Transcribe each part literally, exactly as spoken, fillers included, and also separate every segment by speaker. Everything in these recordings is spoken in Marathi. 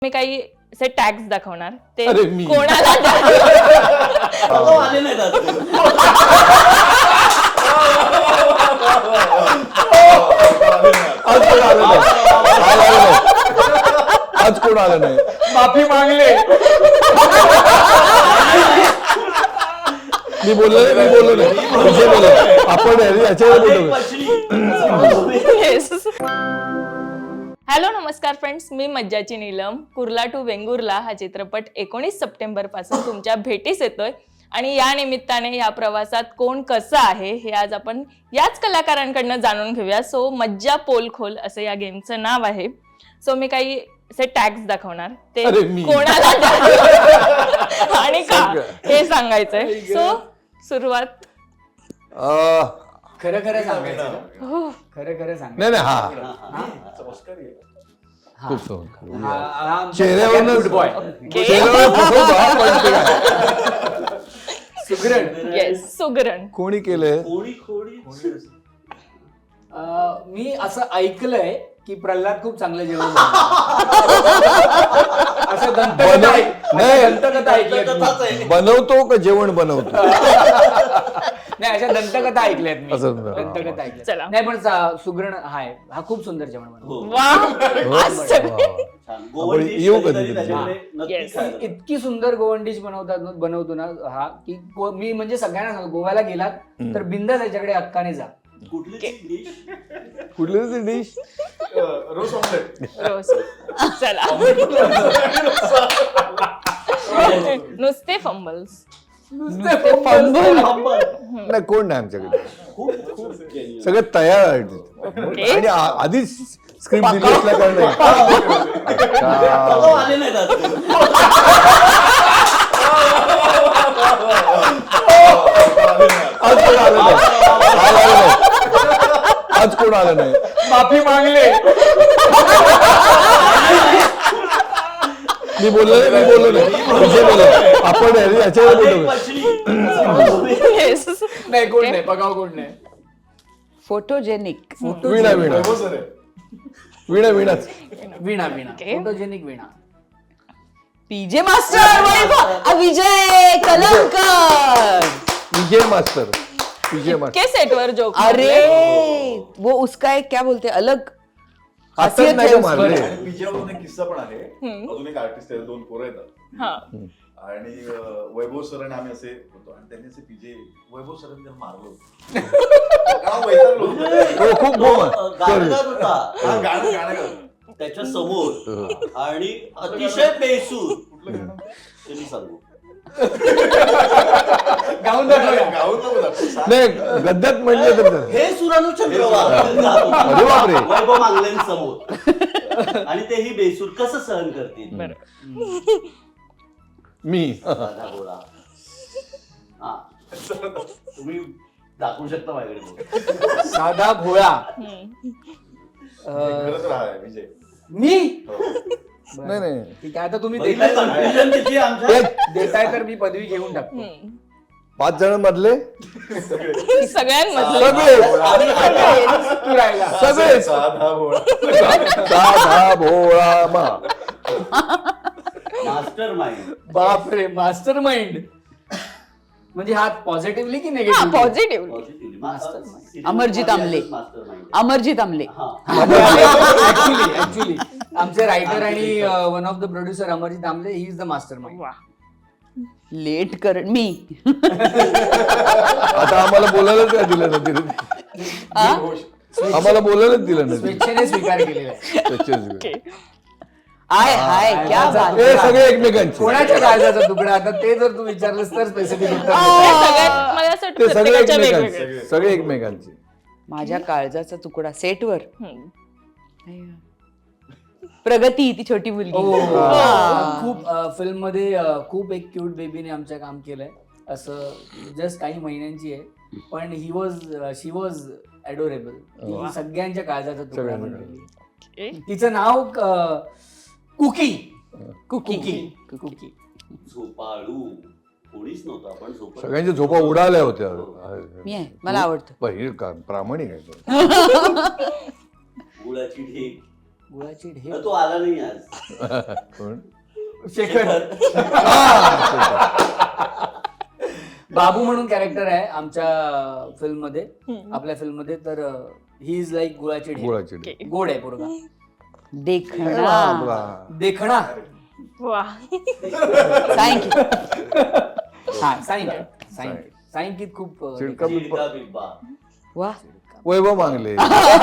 Speaker 1: मी काही असे टॅग्स दाखवणार ते
Speaker 2: अरे मी.
Speaker 1: कोणाला
Speaker 3: आले नाही दादा.
Speaker 2: आज कोण आलं नाही आज आलं नाही आज कोण आलं नाही
Speaker 4: माफी मागले.
Speaker 2: मी बोललो नाही मी बोललो नाही विजय बोललो आपण याच्यावर बोलतो.
Speaker 1: हॅलो नमस्कार फ्रेंड्स, मी मज्जाची नीलम. कुर्ला टू वेंगुर्ला हा चित्रपट एकोणीस सप्टेंबर पासून तुमच्या भेटीस येतोय आणि या निमित्ताने या प्रवासात कोण कसं आहे हे आज आपण याच कलाकारांकडनं जाणून घेऊया. सो मज्जा पोलखोल असं या गेमचं नाव आहे. सो मी काही असे टॅग्स दाखवणार ते कोणाला आणि का हे सांगायचंय. सो सुरुवात
Speaker 4: खरं खरं सांगायचं. खरं खरं सांग.
Speaker 2: नाही नाही हा खूप
Speaker 4: चेहऱ्यावर गुड बॉय. सुगरण.
Speaker 1: येस सुगरण.
Speaker 2: कोणी केलंय
Speaker 3: कोणी खोडी
Speaker 4: मी असं ऐकलंय की प्रल्हाद खूप चांगलं जेवण असं दंतकथा ऐक-
Speaker 2: नाही.
Speaker 4: दंतकथा ऐकल्यात
Speaker 3: दंतकथाच
Speaker 4: मी.
Speaker 3: आहे.
Speaker 2: बनवतो का जेवण बनवतो
Speaker 4: नाही अशा दंतकथा ऐकल्यात मी.
Speaker 2: असं.
Speaker 4: दंतकथा
Speaker 1: चला.
Speaker 4: ऐकल्या नाही पण सा- सुगरण हाय हा खूप सुंदर जेवण बनवतो.
Speaker 3: हो.
Speaker 1: वा आज सगळे
Speaker 3: छान. गोवन
Speaker 2: आपण
Speaker 3: डिश
Speaker 2: येऊ
Speaker 3: कधीतरी
Speaker 2: कधीतरी.
Speaker 3: त्याच्यामुळे नक्की
Speaker 1: Yes.
Speaker 3: खायला.
Speaker 4: इतकी सुंदर गोवन डिश बनवतात ना- बनवतो ना हा की गो- मी म्हणजे सगळ्यांना सांगतो गोव्याला गेलात तर बिंदास याच्याकडे हक्काने जा.
Speaker 3: कुठली डिश
Speaker 2: कुठली ती डिश
Speaker 5: रोज ऑमलेट.
Speaker 1: रोज. चला नुसते फंबल्स.
Speaker 2: नाही कोण नाही आमच्याकडे
Speaker 3: खूप खूप genuine.
Speaker 2: सगळं तयार आहे तिथे. आणि आ- आधीच स्क्रिप्ट दिली असल्या कारणाने
Speaker 3: दादा आले नाही दादा.
Speaker 2: आज कोण आलं नाही आज आलं नाही आज कोण आलं नाही
Speaker 4: माफी मागले.
Speaker 2: मी बोललो नाही मी बोललो नाही विजय बोललो आपण याच्यावर
Speaker 3: एक
Speaker 2: बोलतो.
Speaker 3: मछली.
Speaker 1: येस.
Speaker 4: नाही कोण नाही बघाव कोण नाही.
Speaker 6: फोटोजेनिक.
Speaker 2: वीणा वीणा
Speaker 5: वैभव सर आहे.
Speaker 2: वीणा वीणाच
Speaker 4: Veena Veena
Speaker 1: Okay.
Speaker 4: Photogenic Veena.
Speaker 6: PJ master Vaibhav Vijay Kalankar.
Speaker 2: Vijay master Vijay master
Speaker 1: के सेटवर जोक.
Speaker 6: अरे वो उसका एक क्या बोलते अलग
Speaker 2: आता
Speaker 6: खासियत
Speaker 2: नाही
Speaker 6: है
Speaker 2: का
Speaker 6: उसकी.
Speaker 2: मारले
Speaker 5: आणि पीजेवरून एक किस्सा पण आहे. अजून एक आर्टिस्ट आहे, दोन पोरं येतात
Speaker 1: हा
Speaker 5: आणि अं, वैभव सर आणि आम्ही असे होतो आणि त्यांनी असे पीजे वैभव सरांनी त्याला मारलं होतं. गाव वैतागलो होतो.
Speaker 2: हो खूप
Speaker 3: तो,
Speaker 2: गोम
Speaker 3: अ, गाणं गात होता
Speaker 5: हा, गाणं गाणं गाणं.
Speaker 3: त्याच्या समोर आणि अतिशय बेसूर.
Speaker 5: कुठलं गाणं?
Speaker 3: त्यांनी सांगू
Speaker 4: गाऊन दाखवूया.
Speaker 5: गाऊन नको दाखवू. सांग.
Speaker 2: नाही गद्यात म्हणलं तर झालं.
Speaker 3: हे सुरानु चंद्रवार
Speaker 2: अरे बापरे.
Speaker 3: वैभव मांगलेंसमोर आणि तेही बेसूर कसं सहन करतील.
Speaker 2: मी
Speaker 3: साधा घोडा. हा तुम्ही दाखवू शकता माझ्याकडे.
Speaker 4: साधा भोळा.
Speaker 5: खरंच राहा आहे, विजय.
Speaker 4: मी
Speaker 2: नाही नाही
Speaker 4: ठीक आहे आता तुम्ही
Speaker 3: बघितलं
Speaker 4: देताय
Speaker 3: कन्फ्युजन किती आमच्या.
Speaker 4: देताय तर मी पदवी घेऊन टाकतो.
Speaker 2: पाच जण मधले
Speaker 1: सगळ्यांमधलं
Speaker 2: सगळे
Speaker 4: तू राहिला.
Speaker 2: सगळे
Speaker 5: साधा भोळा.
Speaker 2: साधा भोळा मा
Speaker 3: मास्टर माइंड.
Speaker 4: बापरे मास्टर माइंड म्हणजे हा पॉझिटिव्हली की
Speaker 1: हा
Speaker 4: निगेटिव्ह.
Speaker 1: पॉझिटिव्ह.
Speaker 6: अमरजीत आमले.
Speaker 3: Master mind.
Speaker 6: Amarjeet Amle.
Speaker 4: Actually actually आमचे रायटर आणि one of the producer Amarjeet Amle he is the master mind.
Speaker 1: वा
Speaker 6: लेट कर मी
Speaker 2: आता आम्हाला बोलायलाच काय दिलं नाही तिने आम्हाला बोलायलाच दिलं नाही
Speaker 4: स्वेच्छेने स्वीकार केलेला आहे.
Speaker 2: त्याच्याच.
Speaker 6: आय हाय क्या बात.
Speaker 2: हे सगळे एकमेकांचे
Speaker 4: कोणाच्या काळजाचा तुकडा आता ते जर तू विचारलंस तर स्पेसिफिक उत्तर
Speaker 1: हे
Speaker 4: देतो.
Speaker 1: सगळ्यात मला असं वाटतं
Speaker 2: ते सगळे
Speaker 1: प्रत्येकाच्या
Speaker 2: एकमेकांचे
Speaker 1: वेगवेगळे.
Speaker 2: सगळे एकमेकांचे
Speaker 6: माझ्या काळजाचा तुकडा सेटवर.
Speaker 1: हम्म.
Speaker 6: प्रगती ती छोटी मुलगी.
Speaker 4: हो.
Speaker 6: हा.
Speaker 4: खूप फिल्म मध्ये अ, खूप एक क्यूट बेबीने आमच्या काम केलंय असं जस्ट काही महिन्यांची आहे पण ही वॉज शी वॉज ॲडोरेबल. ती सगळ्यांच्या काळजाचा तुकडा
Speaker 2: सगळ्यांना.
Speaker 4: बनलेली. तिचं नाव अ, कुकी.
Speaker 6: कुकी.
Speaker 4: कुकी कुकी
Speaker 3: झोपाळू कोणीच नव्हता पण झोपाळू.
Speaker 2: सगळ्यांच्या झोपा उडाल्या होत्या
Speaker 6: मी आहे मला आवडतं.
Speaker 2: पण हे का- प्रामाणिक आहे तो.
Speaker 3: गुळाची ढीग
Speaker 4: गुळाची ढेप.
Speaker 3: तो आला नाही आज.
Speaker 2: कोण?
Speaker 4: शेखर बाबू म्हणून कॅरेक्टर आहे आमच्या फिल्म मध्ये, आपल्या फिल्म मध्ये. तर ही इज लाईक गुळाची ढेप.
Speaker 2: गुळाची ढेप.
Speaker 4: गोड आहे पोरगा,
Speaker 6: देखणा
Speaker 2: बाबा.
Speaker 4: देखणा.
Speaker 1: वा
Speaker 6: थँक्यू.
Speaker 4: हा सायंकित सायंकित सायंकित खूप अं,
Speaker 2: चिडका
Speaker 3: चिडका बिब्बा.
Speaker 6: वा
Speaker 2: वैभव मागले.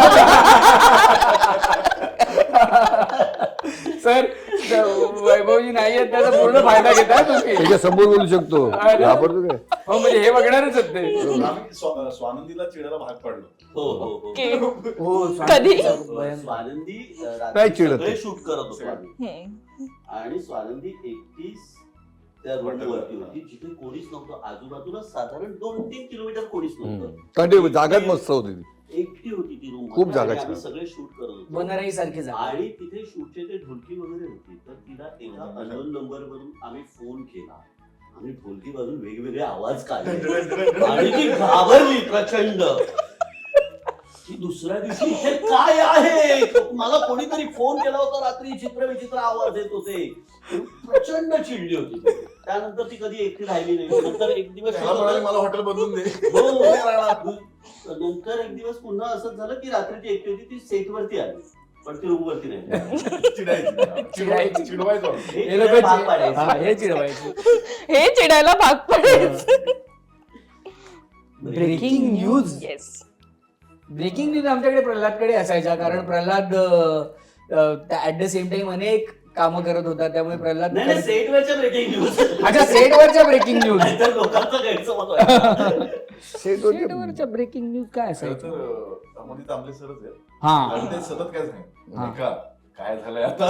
Speaker 4: सर वैभवजी नाही आहेत त्याचा पूर्ण फायदा घेताय तुम्ही.
Speaker 2: त्याच्या समोर बोलू शकतो. घाबरतो काय?
Speaker 4: हो म्हणजे हे बघणारच आहेत ते.
Speaker 5: आम्ही स्वा- स्वानंदीला चिडायला भाग पडलो.
Speaker 3: हो हो हो
Speaker 1: के
Speaker 4: हो
Speaker 1: कधी?
Speaker 4: स्वानंदीचं
Speaker 3: स्वानंदी अ,
Speaker 2: काय
Speaker 3: रात्री
Speaker 2: चिडत
Speaker 3: सगळे
Speaker 2: आहे?
Speaker 3: शूट करत होतो आम्ही.
Speaker 1: हम्म.
Speaker 3: आणि स्वानंदी एकटीच त्या रोडवरती होती जिथे कोणीच नव्हतं. आजूबाजूला साधारण दोन तीन किलोमीटर कोणीच नव्हतं.
Speaker 2: कारण ते जागाच मस्त होती ती.
Speaker 3: एकटी होती ती रूम.
Speaker 2: खूप जागा छान.
Speaker 3: आम्ही सगळे शूट करत होतो.
Speaker 4: बनराई सारखी जागा.
Speaker 3: आणि तिथे शूटचे ते ढोलकी वगैरे होती. तर तिला एका अननोन नंबर वरून आम्ही फोन केला. आम्ही ढोलकी वाजून वेगवेगळे आवाज काढले आणि ती घाबरली प्रचंड की दुसऱ्या दिवशी इथे काय आहे. मला कोणीतरी फोन केला होता रात्री, चित्र विचित्र आवाज येत होते. प्रचंड चिडली होती ती. त्यानंतर ती कधी एकटी राहिली नाही. नंतर एक दिवस
Speaker 5: त्याला म्हणाले, मला हॉटेल बदलून दे.
Speaker 3: हो.
Speaker 5: नाही राहणार.
Speaker 3: नंतर एक दिवस पुन्हा असंच झालं की रात्री ती एकटी होती. ती सेट वरती आली पण ती रूम वरती नाही.
Speaker 5: चिडायची चिडवायची चिडवायचो.
Speaker 3: हे
Speaker 4: हे लोक
Speaker 3: भाग पाडायचे.
Speaker 4: हा, हे चिडवायचे.
Speaker 1: हे चिडायला भाग पडायचं.
Speaker 4: Breaking news.
Speaker 1: Yes.
Speaker 4: Breaking news आमच्याकडे प्रल्हादकडे असायच्या, कारण Pralhad at the same time अनेक कामं करत होता, त्यामुळे प्रल्हाद
Speaker 3: नाही नाही, सेटवरच्या ब्रेकिंग न्यूज.
Speaker 4: अच्छा सेटवरच्या ब्रेकिंग न्यूज.
Speaker 3: नाहीतर लोकांचा गैरसमज व्हायचा.
Speaker 4: सेटवरच्या ब्रेकिंग न्यूज काय
Speaker 5: खरं
Speaker 4: असायचं?
Speaker 5: तर अमोदी तांबले सरच आहे.
Speaker 4: हा
Speaker 5: आणि ते सतत काय सांग
Speaker 4: हा.
Speaker 5: का काय झालंय आता.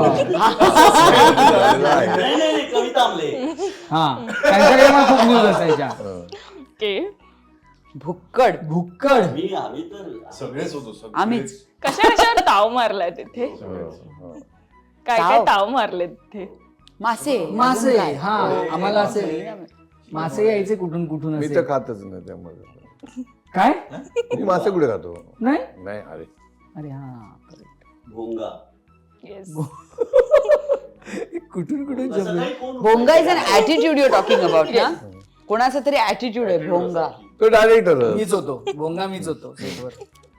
Speaker 3: नाही नाही नाही, कविता आमले.
Speaker 4: हा त्यांच्याकडे मग खूप न्यूज असायच्या.
Speaker 1: के
Speaker 6: भुक्कड.
Speaker 4: भुक्कड.
Speaker 3: मी आम्ही तर
Speaker 5: सगळेच होतो सगळेच.
Speaker 6: आम्हीच.
Speaker 1: कशा कशावर ताव मारलाय तिथे? काय काय
Speaker 6: ताव?
Speaker 1: ताव मारले तिथे?
Speaker 6: मासे.
Speaker 4: मासे.
Speaker 6: अजून काय?
Speaker 4: हा आम्हाला असे मासे यायचे कुठून कुठून
Speaker 2: मी
Speaker 4: असे.
Speaker 2: तर खातच नाही त्यामुळे.
Speaker 4: काय
Speaker 2: मी मासे कुठे खातो?
Speaker 4: नाही.
Speaker 2: नाही. अरे
Speaker 4: अरे हा correct.
Speaker 3: भोंगा.
Speaker 1: येस.
Speaker 4: कुठून कुठून
Speaker 3: असं
Speaker 4: जमलं.
Speaker 3: काही कोण
Speaker 6: भोंगा is an attitude you talking about ना. कोणाचा तरी ऍटिट्यूड आहे भोंगा.
Speaker 2: तो डायरेक्टर.
Speaker 4: मीच होतो भोंगा, मीच होतो सेटवर.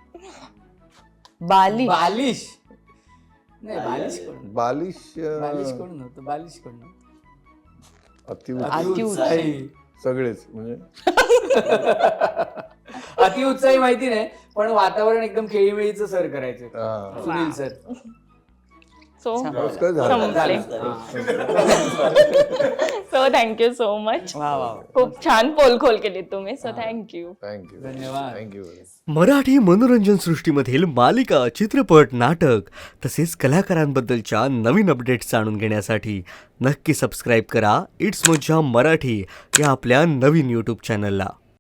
Speaker 6: बाली.
Speaker 4: बालिश नाही, बालिश कोण?
Speaker 2: बालिश.
Speaker 4: बालिश कोण नव्हतं. बालिश कोण नव्हतं.
Speaker 2: अति
Speaker 4: अतिउत्साही.
Speaker 2: सगळेच म्हणजे
Speaker 4: अतिउत्साही माहिती नाही, पण वातावरण एकदम खेळीमेळीचं सर करायचं.
Speaker 2: हा.
Speaker 4: सुनील सर.
Speaker 1: सो
Speaker 2: नमस्कार झालं.
Speaker 1: संपले. So thank you so much.
Speaker 6: वा वा.
Speaker 1: खूप छान पोलखोल केली तुम्ही. So thank you.
Speaker 2: थँक्यू.
Speaker 4: धन्यवाद.
Speaker 2: थँक्यू.
Speaker 7: मराठी मनोरंजन सृष्टीमधील मालिका, चित्रपट, नाटक तसेच कलाकारांबद्दलच्या नवीन अपडेट्स जाणून घेण्यासाठी नक्की सबस्क्राईब करा इट्स मज्जा मराठी या आपल्या नवीन यूट्यूब चॅनलला.